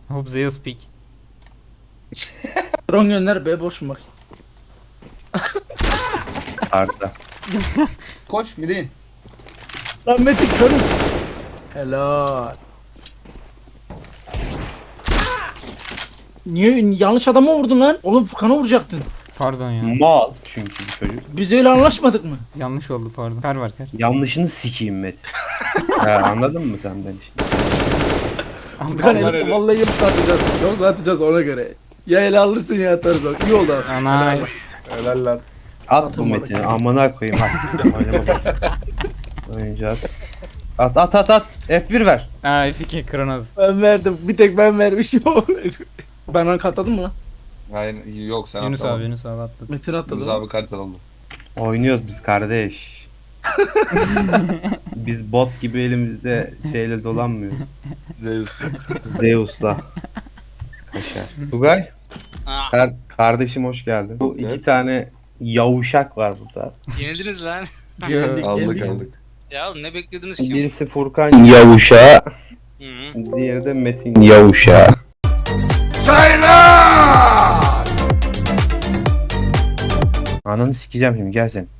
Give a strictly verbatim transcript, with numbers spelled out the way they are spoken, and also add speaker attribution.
Speaker 1: Hope Zeus pick.
Speaker 2: Drone gönder be boş mu bak.
Speaker 3: Arda.
Speaker 4: Koş midin.
Speaker 2: Lan Metin körüz. Helal. Niye yanlış adama vurdun lan? Oğlum Furkan'a vuracaktın.
Speaker 1: Pardon ya.
Speaker 3: Mal çünkü bu çocuk.
Speaker 2: Biz öyle anlaşmadık mı?
Speaker 1: Yanlış oldu pardon. Kar var kar.
Speaker 3: Yanlışını sikeyim Metin. Ha, anladın mı sen beni şimdi?
Speaker 2: Furkan
Speaker 4: Onlar
Speaker 2: el,
Speaker 4: öyle.
Speaker 2: vallahi yoksa atacağız. Yoksa atacağız ona göre. Ya ele alırsın ya atarız bak. İyi oldu aslında.
Speaker 1: Nice.
Speaker 4: Helal lan.
Speaker 3: At bu
Speaker 2: Atamadık.
Speaker 3: Metin'i amına koyayım at. Oynama bak. Oyuncu at. At at at at. F bir ver.
Speaker 1: Aa F iki Kronos.
Speaker 2: Ben verdim. Bir tek ben vermişim. Ben rank atladım mı lan?
Speaker 4: Hayır yok sen
Speaker 1: Yunus
Speaker 4: atlamadın.
Speaker 1: abi Yunus abi atladı.
Speaker 2: Metin
Speaker 4: Yunus
Speaker 2: atladı.
Speaker 4: abi kalite oldu.
Speaker 3: Oynuyoruz biz kardeş. Biz bot gibi elimizde şeyle dolanmıyoruz.
Speaker 4: Zeus.
Speaker 3: Zeus'la. Kaşar. Tugay. Kar kardeşim hoş geldin. Bu iki
Speaker 4: Evet.
Speaker 3: tane yavuşak var burada.
Speaker 5: Yenildiniz lan.
Speaker 2: Geldik,
Speaker 4: Aldık
Speaker 2: geldik.
Speaker 4: aldık.
Speaker 5: Ya oğlum ne beklediniz ki?
Speaker 3: Birisi Furkan yavuşağı,
Speaker 5: Hı -hı.
Speaker 3: diğeri de Metin yavuşağı. Ananı sikeceğim şimdi gel sen.